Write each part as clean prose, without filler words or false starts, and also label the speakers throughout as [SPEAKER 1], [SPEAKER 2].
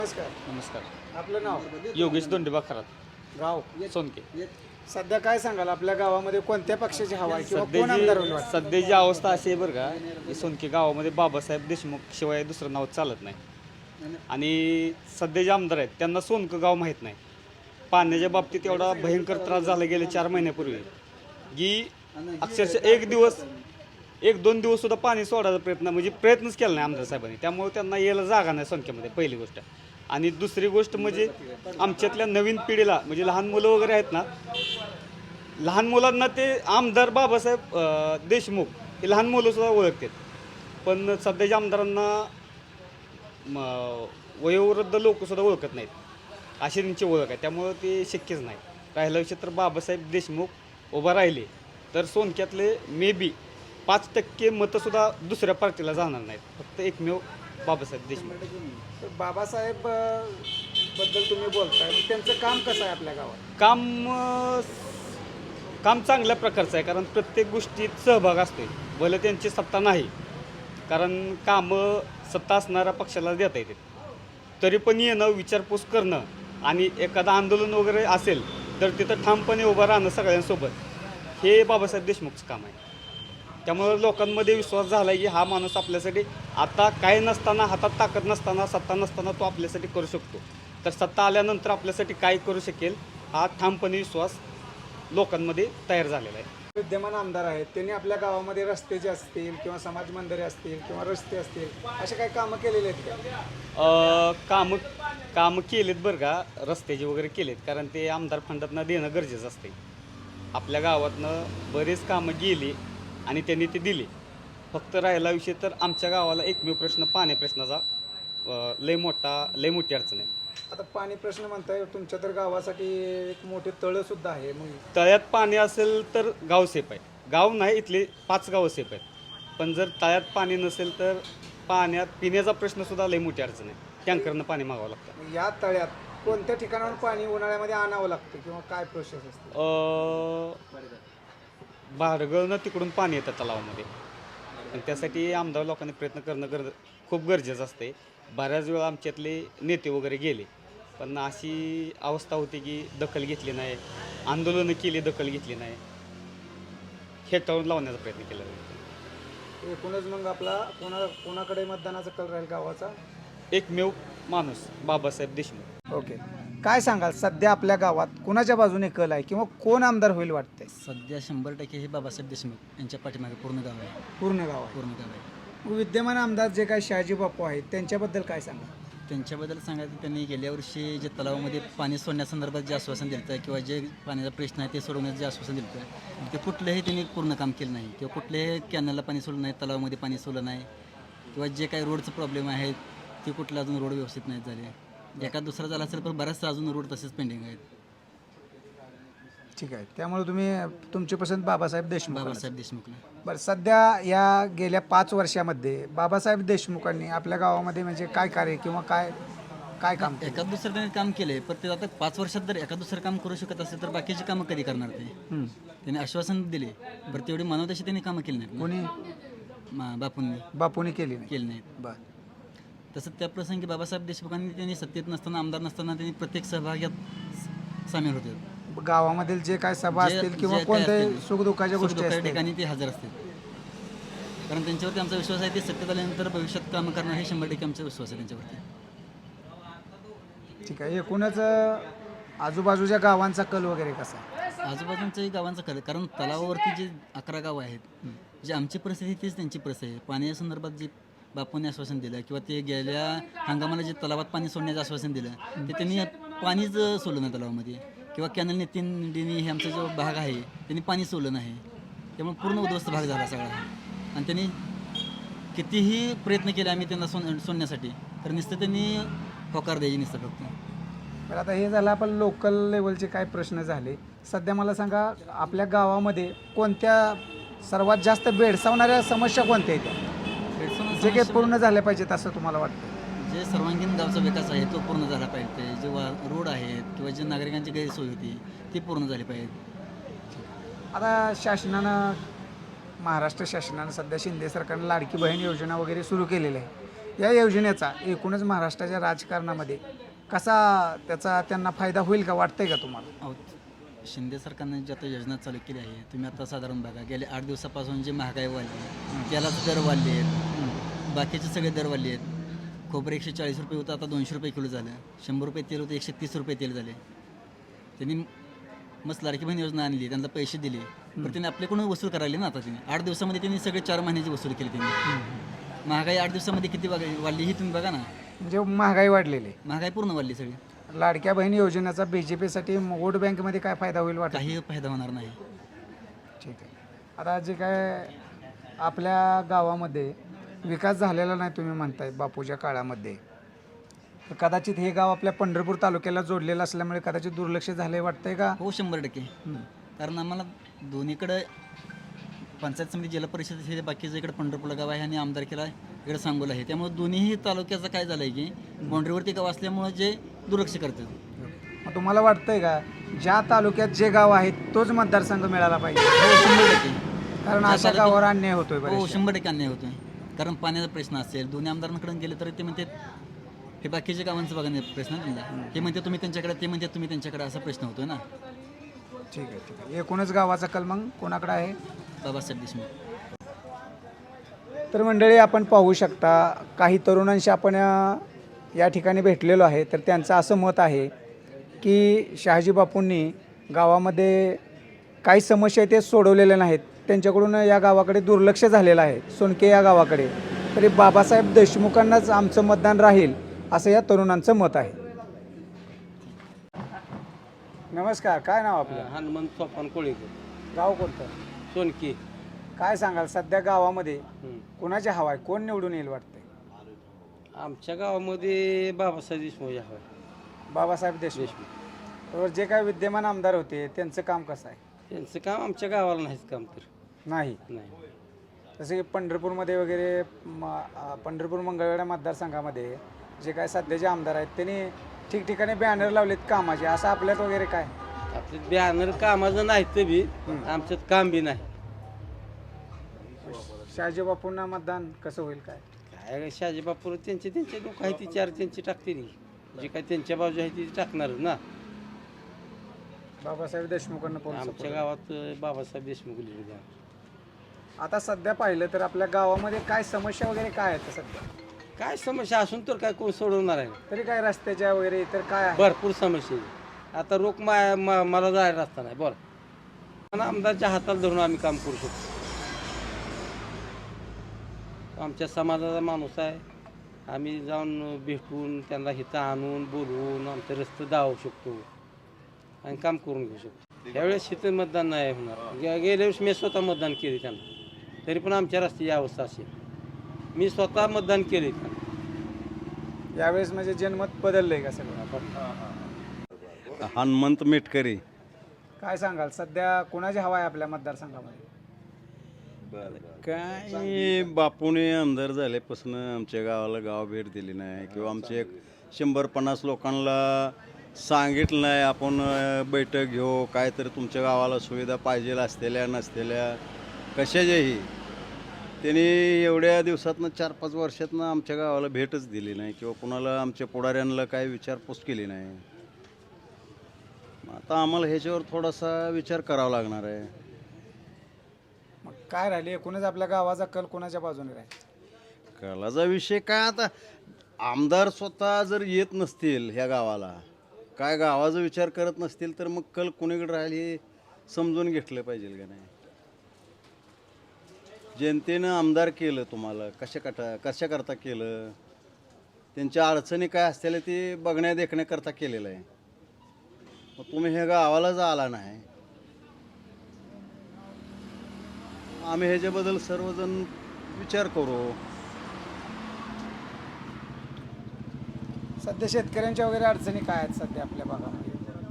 [SPEAKER 1] नमस्कार.
[SPEAKER 2] नमस्कार.
[SPEAKER 1] आपलं नाव,
[SPEAKER 2] योगेश दोंडेबा खरात,
[SPEAKER 1] गाव.
[SPEAKER 2] सोनके.
[SPEAKER 1] सध्या काय सांगाल आपल्या गावामध्ये कोणत्या पक्षाची हवा आहे किंवा कोण आमदार होईल वाटतं?
[SPEAKER 2] सध्याची अवस्था अशी आहे बरं का, की सोनके गावामध्ये बाबासाहेब देशमुख शिवाय दुसरं नाव चालत नाही. आणि सध्या जे आमदार आहेत त्यांना सोनकं गाव माहीत नाही. पाण्याच्या बाबतीत एवढा भयंकर त्रास झाला गेले 4 महिन्यापूर्वी की अक्षरशः एक दोन दिवस सुद्धा पाणी सोडायचा म्हणजे प्रयत्नच केला नाही आमदार साहेबांनी. त्यामुळे त्यांना यायला जागा नाही सोनक्यामध्ये, पहिली गोष्ट. आणि दुसरी गोष्ट म्हणजे आमच्यातल्या नवीन पिढीला म्हणजे लहान मुलं वगैरे आहेत ना, लहान मुलांना ते आमदार बाबासाहेब देशमुख हे लहान मुलं सुद्धा ओळखतात. पण सध्याच्या आमदारांना वयोवृद्ध लोक सुद्धा ओळखत नाहीत, अशी त्यांची ओळख आहे. त्यामुळं ते शक्यच नाही. राहिला विषय तर बाबासाहेब देशमुख उभा राहिले तर सोनक्यातले मे बी 5% मतंसुद्धा दुसऱ्या पार्टीला जाणार नाहीत. फक्त एकमेव बाबासाहेब देशमुख.
[SPEAKER 1] तर बाबासाहेब बद्दल तुम्ही बोलताय, मग त्यांचं काम कसं आहे आपल्या गावात?
[SPEAKER 2] काम चांगल्या प्रकारचं आहे, कारण प्रत्येक गोष्टीत सहभाग असतो. भले त्यांची सत्ता नाही, कारण कामं सत्ता असणाऱ्या पक्षाला देता येते. तरी पण येणं, विचारपूस करणं आणि एखादं आंदोलन वगैरे असेल तर तिथं ठामपणे उभं राहणं सगळ्यांसोबत, हे बाबासाहेब देशमुखचं काम आहे. त्यामुळं लोकांमध्ये विश्वास झाला आहे की हा माणूस आपल्यासाठी आता काय नसताना, हातात ताकद नसताना, सत्ता नसताना तो आपल्यासाठी करू शकतो. तर सत्ता आल्यानंतर आपल्यासाठी काय करू शकेल हा ठामपणे विश्वास लोकांमध्ये तयार झालेला आहे.
[SPEAKER 1] विद्यमान आमदार आहेत, त्यांनी आपल्या गावामध्ये रस्ते जे असतील किंवा समाज मंदिरे असतील किंवा रस्ते असतील, असे काही कामं केलेले आहेत का?
[SPEAKER 2] कामं केलेत बरं का, रस्त्याचे वगैरे केलेत, कारण ते आमदार फंडातनं देणं गरजेचं असते. आपल्या गावातनं बरेच कामं गेली आणि त्यांनी ते दिले. फक्त राहिला विषय तर आमच्या गावाला एकमेव प्रश्न पाणी प्रश्नाचा लय मोठी अडचण आहे.
[SPEAKER 1] आता पाणी प्रश्न म्हणताय, तुमच्या तर गावासाठी एक मोठे तळं सुद्धा आहे. मग
[SPEAKER 2] तळ्यात पाणी असेल तर गाव सेफ आहे. गाव नाही, इथले 5 गावं सेफ आहेत. पण जर तळ्यात पाणी नसेल तर पिण्याचा प्रश्नसुद्धा लय मोठी अडचण आहे. टँकरनं पाणी मागावं लागतं.
[SPEAKER 1] या तळ्यात कोणत्या ठिकाणाहून पाणी उन्हाळ्यामध्ये आणावं लागतं किंवा काय प्रोसेस असते?
[SPEAKER 2] भाडगळनं तिकडून पाणी येतं तलावामध्ये. आणि त्यासाठी आमदार लोकांनी प्रयत्न करणं खूप गरजेचं असते. बऱ्याच वेळा आमच्यातले नेते वगैरे गेले, पण अशी अवस्था होती की दखल घेतली नाही, आंदोलनं केली, दखल घेतली नाही, हेटाळून लावण्याचा प्रयत्न केला जातो.
[SPEAKER 1] एकूणच मग आपला कोणाकडे मतदानाचा कल राहील गावाचा?
[SPEAKER 2] एकमेव माणूस बाबासाहेब देशमुख.
[SPEAKER 1] ओके. काय सांगाल सध्या आपल्या गावात कोणाच्या बाजूने कल आहे किंवा कोण आमदार होईल वाटतंय?
[SPEAKER 3] सध्या 100% हे बाबासाहेब देशमुख यांच्या पाठीमागे पूर्ण गाव आहे.
[SPEAKER 1] पूर्ण गाव आहे.
[SPEAKER 3] पूर्ण गाव आहे.
[SPEAKER 1] विद्यमान आमदार जे काही शहाजी बापू आहेत त्यांच्याबद्दल काय सांगा?
[SPEAKER 3] त्यांच्याबद्दल सांगायचं, त्यांनी गेल्या वर्षी जे तलावामध्ये पाणी सोडण्यासंदर्भात जे आश्वासन दिलं किंवा जे पाण्याचा प्रश्न आहे ते सोडवण्याचं जे आश्वासन दिलं ते कुठलंही त्यांनी पूर्ण काम केलं नाही. किंवा कुठल्याही कॅनलला पाणी सोडलं नाही, तलावामध्ये पाणी सोडलं नाही, किंवा जे काही रोडचं प्रॉब्लेम आहे ते कुठलं अजून रोड व्यवस्थित नाहीत झाले. एका दुसरा झाला असेल पण बऱ्याचशा अजून रोड तसेच पेंडिंग आहेत.
[SPEAKER 1] ठीक आहे. त्यामुळे तुमची पसंत बाबासाहेब देशमुख.
[SPEAKER 3] बाबासाहेब देशमुखला.
[SPEAKER 1] बरं, सध्या या गेल्या 5 वर्षामध्ये बाबासाहेब देशमुखांनी आपल्या गावामध्ये म्हणजे काय कार्य किंवा काय काम केलं?
[SPEAKER 3] एका दुसरं त्यांनी काम केले, पण ते आता 5 वर्षात जर एका दुसरं काम करू शकत असेल तर बाकीची कामं कधी करणार ते? त्यांनी आश्वासन दिले, बरं तेवढी मानवताशी त्यांनी कामं केली नाहीत.
[SPEAKER 1] कोणी? बापूंनी केली नाही.
[SPEAKER 3] केली नाहीत.
[SPEAKER 1] बरं.
[SPEAKER 3] तसं त्या प्रसंगी बाबासाहेब देशमुखांनी त्यांनी सत्तेत नसताना, आमदार नसताना त्यांनी प्रत्येक सहभागात सामील होते.
[SPEAKER 1] गावामधील जे काय सभा असतील किंवा कोणत्याही सुखदुःखाच्या गोष्टी असतील
[SPEAKER 3] ठिकाणी ते हजर असतील. कारण त्यांच्यावरती आमचा विश्वास आहे, ते सत्तेत आल्यानंतर भविष्यात कामं करणार हे 100% आमचा विश्वास आहे त्यांच्यावरती.
[SPEAKER 1] ठीक आहे. एकूणच आजूबाजूच्या गावांचा कल वगैरे कसा?
[SPEAKER 3] आजूबाजूंच्याही गावांचा कल, कारण तलावावरती जे 11 गावं आहेत, जी आमची परिस्थिती तीच त्यांची परिस्थिती आहे. पाण्याच्या संदर्भात जे बापूंनी आश्वासन दिलं किंवा ते गेल्या हंगामाला जे तलावात पाणी सोडण्याचं आश्वासन दिलं ते त्यांनी पाणीच सोडलं नाही तलावामध्ये, किंवा कॅनलने 3 डिनी हे आमचा जो भाग आहे त्यांनी पाणी सोडलं नाही. त्यामुळे पूर्ण उद्ध्वस्त भाग झाला सगळा. आणि त्यांनी कितीही प्रयत्न केले आम्ही त्यांना सोडण्यासाठी, तर नुसतं त्यांनी होकार द्यायची नुसतं फक्त.
[SPEAKER 1] तर आता हे झालं आपण लोकल लेवलचे काय प्रश्न झाले. सध्या मला सांगा, आपल्या गावामध्ये कोणत्या सर्वात जास्त भेडसावणाऱ्या समस्या कोणत्या आहेत जे काही पूर्ण झाल्या पाहिजेत असं तुम्हाला वाटतं?
[SPEAKER 3] जे सर्वांगीण गावचा विकास आहे तो पूर्ण झाला पाहिजे. जे रोड आहेत किंवा जे नागरिकांची गैरसोय होती ती पूर्ण झाली पाहिजे.
[SPEAKER 1] आता महाराष्ट्र शासनानं सध्या शिंदे सरकारनं लाडकी बहीण योजना वगैरे सुरू केलेली आहे. या योजनेचा एकूणच महाराष्ट्राच्या राजकारणामध्ये कसा त्याचा त्यांना फायदा होईल का वाटतंय का तुम्हाला?
[SPEAKER 3] अहो, शिंदे सरकारने जी आता योजना चालू केली आहे तुम्ही आता साधारण बघा गेले 8 दिवसापासून जी महागाई वाढली, तेलाचे दर वाढले आहेत, बाकीचे सगळे दर वाढले आहेत. खोबरं 140 रुपये होतं, आता 200 रुपये किलो झालं. 100 रुपये तेल होतं, 130 रुपये तेल झाले. त्यांनी मस्त लाडकी बहीण योजना आणली, त्यांना पैसे दिले, पण त्यांनी आपल्याकडून वसूल करायला ना. आता त्यांनी 8 दिवसामध्ये त्यांनी सगळे 4 महिन्याची वसूल केली त्यांनी. महागाई 8 दिवसामध्ये किती वाढली ही तुम्ही बघा ना.
[SPEAKER 1] म्हणजे महागाई वाढलेली आहे.
[SPEAKER 3] महागाई पूर्ण वाढली सगळी.
[SPEAKER 1] लाडक्या बहीण योजनेचा बीजेपीसाठी वोट बँकेमध्ये काय फायदा होईल वाटत?
[SPEAKER 3] काही फायदा होणार नाही.
[SPEAKER 1] ठीक आहे. आता जे काय आपल्या गावामध्ये विकास झालेला नाही तुम्ही म्हणताय बापूच्या काळामध्ये, तर कदाचित हे गाव आपल्या पंढरपूर तालुक्याला जोडलेलं असल्यामुळे कदाचित दुर्लक्ष झाले वाटतंय का?
[SPEAKER 3] हो 100%. कारण आम्हाला दोन्हीकडे पंचायत समिती जिल्हा परिषद हे बाकीचं इकडे पंढरपूरला गाव आहे आणि आमदारकीला इकडे सांगोला आहे. त्यामुळे दोन्हीही तालुक्याचं काय झालं आहे की बाउंड्रीवरती गाव असल्यामुळे जे दुर्लक्ष करतात.
[SPEAKER 1] मग तुम्हाला वाटतंय का ज्या तालुक्यात जे गाव आहे तोच मतदारसंघ मिळाला पाहिजे?
[SPEAKER 3] हो 100%.
[SPEAKER 1] कारण अशा गावावर अन्याय होतोय
[SPEAKER 3] हो
[SPEAKER 1] बरेचसे.
[SPEAKER 3] 100% अन्याय होतोय. कारण पाण्याचा प्रश्न असेल, दोन्ही आमदारांकडे गेले तर ते म्हणते हे बाकीच्या गावांचं बघा नाही प्रश्न आहे त्यांना. हे म्हणते तुम्ही त्यांच्याकडे, ते म्हणते तुम्ही त्यांच्याकडे, असा प्रश्न होतोय ना.
[SPEAKER 1] ठीक आहे, ठीक आहे. एकूणच गावाचा कल मग कोणाकडे आहे?
[SPEAKER 3] बाबासाहेब देशमुख.
[SPEAKER 1] तर मंडळी आपण पाहू शकता काही तरुणांशी आपण या ठिकाणी भेटलेलो आहे. तर त्यांचं असं मत आहे की शहाजी बापूंनी गावामध्ये काही समस्या ते सोडवलेल्या नाहीत, त्यांच्याकडून या गावाकडे दुर्लक्ष झालेलं आहे, सोनके या गावाकडे. तरी बाबासाहेब देशमुखांनाच आमचं मतदान राहील असं या तरुणांचं मत आहे. नमस्कार, काय नाव आपलं?
[SPEAKER 4] हनुमंत सोपान कोळीकर,
[SPEAKER 1] गाव कोणतं?
[SPEAKER 4] सोनकी.
[SPEAKER 1] काय सांगाल सध्या गावामध्ये कोणाची हवा आहे, कोण निवडून येईल वाटतंय?
[SPEAKER 4] आमच्या गावामध्ये बाबासाहेब देशमुख हवा.
[SPEAKER 1] बाबासाहेब देशमुख. बरोबर. जे काय विद्यमान आमदार होते त्यांचं काम कसं आहे?
[SPEAKER 4] त्यांचं काम आमच्या गावाला नाहीच काम तर
[SPEAKER 1] नाही.
[SPEAKER 4] नाही.
[SPEAKER 1] जसे की पंढरपूरमध्ये वगैरे पंढरपूर मंगळवेढा मतदारसंघामध्ये जे काय सध्याचे आमदार आहेत त्यांनी ठिकठिकाणी बॅनर लावलेत कामाचे, असं आपल्यात वगैरे काय?
[SPEAKER 4] आपले बॅनर कामाचं नाही तर बी आमच्यात काम बी नाही.
[SPEAKER 1] शहाजी बापूंना मतदान कसं होईल काय?
[SPEAKER 4] काय शहाजी बापूर त्यांचे लोक आहे ती चार त्यांची टाकते जी काय त्यांच्या बाजू आहे ती टाकणारच ना.
[SPEAKER 1] बाबासाहेब देशमुखांना पोहोच.
[SPEAKER 4] आमच्या गावात बाबासाहेब देशमुख लिहिले.
[SPEAKER 1] आता सध्या पाहिलं तर आपल्या गावामध्ये काय समस्या वगैरे काय आहेत सध्या?
[SPEAKER 4] काय समस्या असून तर काय कोण सोडवणार आहे?
[SPEAKER 1] तरी काय रस्त्याच्या वगैरे इतर काय आहे?
[SPEAKER 4] भरपूर समस्या आहे. आता रोख मला जायला रस्ता नाही बरं, पण आमदारच्या हाताला धरून आम्ही काम करू शकतो. आमच्या समाजाचा माणूस आहे, आम्ही जाऊन भेटून त्यांना हिथं आणून बोलवून आमचं रस्ते दावू शकतो आणि काम करून घेऊ शकतो. यावेळेस इथं मतदान नाही होणार. गेल्या वेळेस मी स्वतः मतदान केले त्यांना, तरी पण आमच्या रस्त्याची अवस्था अशी. मी स्वतः मतदान केले त्यांना.
[SPEAKER 1] यावेळेस म्हणजे जनमत बदललंय का सगळं?
[SPEAKER 5] हनुमंत मेटकरी.
[SPEAKER 1] काय सांगाल सध्या कोणाची हवा आहे आपल्या मतदारसंघामध्ये?
[SPEAKER 5] काय बापूने आमदार झाल्यापासून आमच्या गावाला गाव भेट दिली नाही किंवा आमचे एक 100-50 लोकांना सांगितलं नाही आपण बैठक घेऊ, काय तर तुमच्या गावाला सुविधा पाहिजे असलेल्या नसलेल्या कशाच्याही. त्यांनी एवढ्या दिवसातनं 4-5 वर्षातनं आमच्या गावाला भेटच दिली नाही किंवा कुणाला आमच्या पुढाऱ्यांना काय विचारपूस केली नाही. आता आम्हाला ह्याच्यावर थोडासा विचार करावा लागणार आहे.
[SPEAKER 1] मग काय राहिले एकूणच आपल्या गावाचा कल कोणाच्या बाजूने राहील?
[SPEAKER 5] कलाचा विषय काय, आता आमदार स्वतः जर येत नसतील ह्या गावाला, काय गावाचा विचार करत नसतील तर मग कल कुणीकडे राहील हे समजून घेतलं पाहिजे का नाही. जनतेनं आमदार केलं तुम्हाला कशा करता केलं, त्यांच्या अडचणी काय असतील ते बघण्या देखण्याकरता केलेलं आहे. मग तुम्ही ह्या गावालाच आला नाही. आम्ही ह्याच्याबद्दल सर्वजण विचार करू.
[SPEAKER 1] सध्या शेतकऱ्यांच्या वगैरे अडचणी काय आहेत सध्या आपल्या भागामध्ये?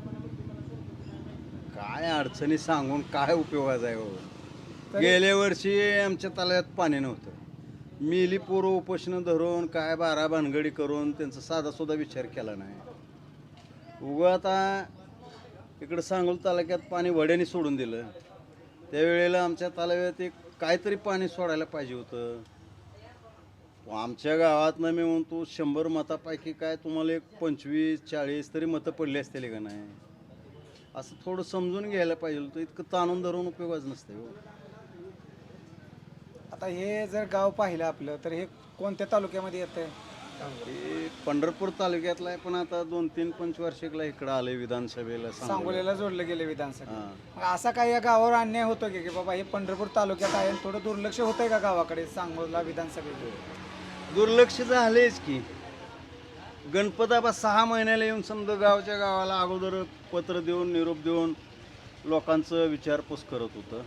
[SPEAKER 5] काय अडचणी सांगून काय उपयोगाचा आहे हो.
[SPEAKER 1] तरी-
[SPEAKER 5] गेल्या वर्षी आमच्या तलाव्यात पाणी नव्हतं. मिली पोरं उपोषणं धरून काय 12 भानगडी करून त्यांचा साधा सुद्धा विचार केला नाही. उगा आता इकडं सांगोल तालुक्यात पाणी वड्याने सोडून दिलं. त्यावेळेला आमच्या तलाव्यात एक काहीतरी पाणी सोडायला पाहिजे होतं. आमच्या गावातनं मी म्हणतो 100 मतापैकी काय तुम्हाला एक 25-40 तरी मतं पडली असतील का नाही, असं थोडं समजून घ्यायला पाहिजे होतं. इतकं ताणून धरून उपयोगच नसते हो.
[SPEAKER 1] आता हे जर गाव पाहिलं आपलं तर हे कोणत्या तालुक्यामध्ये येतं?
[SPEAKER 5] हे पंढरपूर तालुक्यातलं आहे, पण आता 2-3 पंचवार्षिकला इकडं आलंय विधानसभेला
[SPEAKER 1] सांगोलीला जोडलं गेलं विधानसभा.
[SPEAKER 5] हां.
[SPEAKER 1] मग असा काही या गावावर अन्याय होतो की बाबा हे पंढरपूर तालुक्यात आहे आणि थोडं दुर्लक्ष होतंय का गावाकडे सांगोला विधानसभेकडे?
[SPEAKER 5] दुर्लक्ष झालेच की. गणपताबा 6 महिन्याला येऊन समजा गावच्या गावाला अगोदर पत्र देऊन निरोप देऊन लोकांचं विचारपूस करत होतं.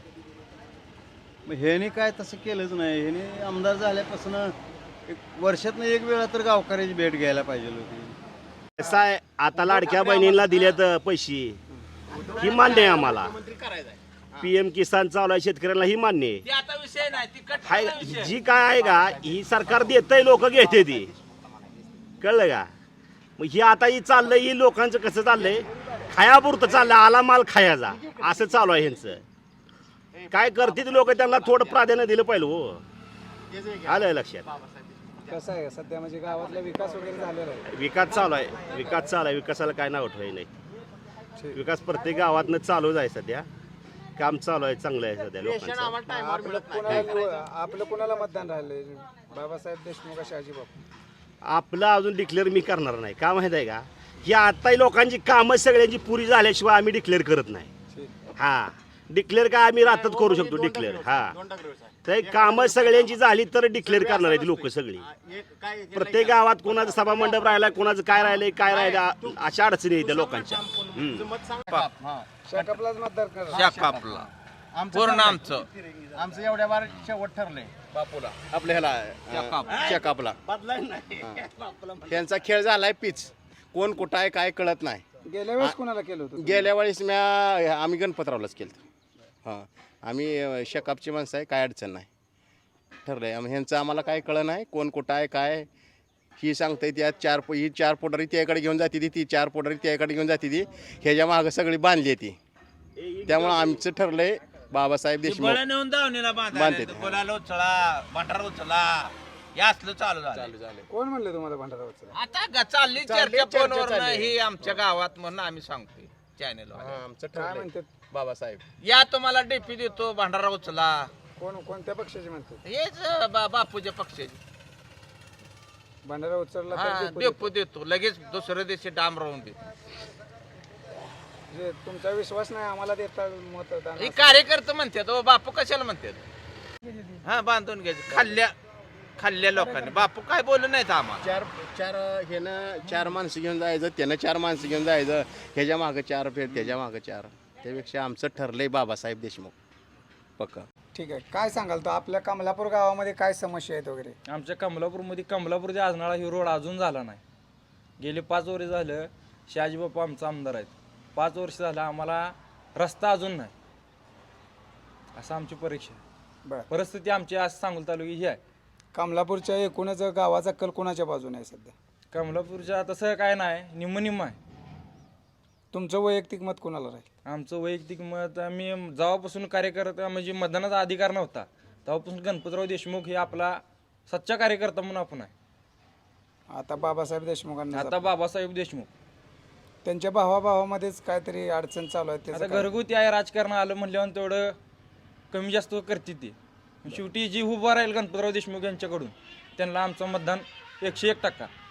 [SPEAKER 5] मग ह्याने काय तसं केलंच नाही. ह्याने आमदार झाल्यापासून एक वर्षातनं एक वेळा तर गावकऱ्याची भेट घ्यायला पाहिजे होती.
[SPEAKER 6] कसं आहे, आता लाडक्या बहिणींना दिलेत पैसे, ही मान्य आहे आम्हाला. PM किसान चालू आहे शेतकऱ्यांना, ही मान्य आहे. हाय जी काय आहे का ही सरकार देतंय, लोक घेते ती, कळलं का? मग ही आता ही चाललंय, ही लोकांचं कसं चाललंय, खायापुरतं चाललंय, आला माल खायाचा असं चालू आहे ह्यांचं. काय करते लोक, त्यांना थोडं प्राधान्य दिलं पाहिजे हो. आलं लक्षात?
[SPEAKER 1] कसं आहे सध्या म्हणजे गावातला विकास वगैरे झालेला आहे?
[SPEAKER 6] विकास चालू आहे, विकास चालू आहे, विकासाला काय नाव ठेवाय नाही. विकास प्रत्येक गावातनं चालूच आहे सध्या, काम चालू आहे, चांगलं आहे सध्या लोकांचं.
[SPEAKER 1] आपलं कोणाला मतदान राहिलंय, बाबासाहेब देशमुख का शहाजी बापू?
[SPEAKER 6] आपलं अजून डिक्लेअर मी करणार नाही. का माहित आहे का, ही आताही लोकांची कामं सगळ्यांची पुरी झाल्याशिवाय आम्ही डिक्लेअर करत नाही. हा, डिक्लेअर काय आम्ही रातात करू शकतो डिक्लेअर. हा, तर कामं सगळ्यांची झाली तर डिक्लेअर करणार आहेत लोक सगळी. प्रत्येक गावात कोणाचं सभा मंडप राहिला, कोणाचं काय राहिलं, अशा अडचणी येत्या लोकांच्या.
[SPEAKER 1] शेकापलाच मतदार करा.
[SPEAKER 7] शाकापला पूर्ण आमचं एवढ्या बार शेवट ठरलंय बापूला आपल्या ह्याला शेकापला. त्यांचा खेळ झालाय पिच, कोण कुठं आहे काय कळत नाही.
[SPEAKER 1] गेल्या वेळेस कोणाला केलं होतं?
[SPEAKER 7] गेल्या वेळेस आम्ही गणपतरावलाच केलं. हां, आम्ही शेकापची माणसं आहे, काय अडचण नाही. ठरलंय ह्यांचं आम्हाला काय कळलं नाही, कोण कुठं आहे काय. ही सांगताय त्यात ही 4 पोटारी त्याकडे घेऊन जाते ती 4 पोटारी त्याकडे घेऊन जाते ती, ह्याच्या मागं सगळी बांधली ती. त्यामुळं आमचं ठरलंय बाबासाहेब देशमुख बांधते.
[SPEAKER 1] कोण म्हणले तुम्हाला भंडारा उचला?
[SPEAKER 8] आता चालली चर्चा फोनवर ही आमच्या गावात म्हणून आम्ही सांगतोय चॅनल.
[SPEAKER 7] आमचं
[SPEAKER 1] काय
[SPEAKER 7] ठरलंय
[SPEAKER 1] म्हणतात?
[SPEAKER 7] बाबासाहेब.
[SPEAKER 8] या तुम्हाला डीपी देतो, भंडारा उचला.
[SPEAKER 1] कोणत्या पक्षाचे म्हणतात?
[SPEAKER 8] हेच बापूच्या पक्षाचे.
[SPEAKER 1] भंडारा उचलला
[SPEAKER 8] हा,
[SPEAKER 1] तर
[SPEAKER 8] डेपो देतो लगेच, दुसऱ्या दिवशी डाम राहून देतो.
[SPEAKER 1] जे तुमचा विश्वास नाही आम्हाला देता मतदान?
[SPEAKER 8] हे कार्यकर्ते म्हणतात, ओ बापू कशाला म्हणतात? हा, बांधून घ्यायचे खाल्ल्या लोकांनी. बापू काय बोलू नाहीत आम्हाला.
[SPEAKER 7] ह्यानं 4 माणसं घेऊन जायचं, त्यानं 4 माणसं घेऊन जायचं, ह्याच्या मागं 4 फेर, त्याच्या मागं 4. त्यापेक्षा आमचं ठरलंय बाबासाहेब देशमुख पक्का.
[SPEAKER 1] ठीक आहे, काय सांगाल तो आपल्या कमलापूर गावामध्ये काय समस्या आहेत वगैरे?
[SPEAKER 9] आमच्या कमलापूरमध्ये कमलापूर ते आजनाळा ही रोड अजून झाला नाही. गेले 5 वर्ष झालं शहाजी बापू आमचा आमदार आहेत, 5 वर्ष झालं आम्हाला रस्ता अजून नाही, असं आमची परीक्षा आहे.
[SPEAKER 1] बरं,
[SPEAKER 9] परिस्थिती आमची आज सांगोला तालुकी ही आहे.
[SPEAKER 1] कमलापूरच्या एकूणच गावाचा कल कोणाच्या बाजूने आहे सध्या?
[SPEAKER 9] कमलापूरच्या तसं काय नाही, निम्म आहे.
[SPEAKER 1] तुमचं वैयक्तिक मत कोणाला राहील?
[SPEAKER 9] आमचं वैयक्तिक मत, आम्ही जेव्हापासून कार्यकर्ता म्हणजे मतदानाचा अधिकार नव्हता तेव्हापासून गणपतराव देशमुख हे आपला सच्चा कार्यकर्ता म्हणून आपण आहे.
[SPEAKER 1] आता बाबासाहेब देशमुखांना
[SPEAKER 9] आता बाबासाहेब देशमुख
[SPEAKER 1] त्यांच्या भावाभावामध्येच काहीतरी अडचण चालू आहे.
[SPEAKER 9] आता
[SPEAKER 1] त्याचं काय?
[SPEAKER 9] घरगुती आहे, राजकारण आलं म्हणल्यावर तेवढं कमी जास्त करते ते. शेवटी जी उभा राहील गणपतराव देशमुख यांच्याकडून त्यांना आमचं मतदान 101%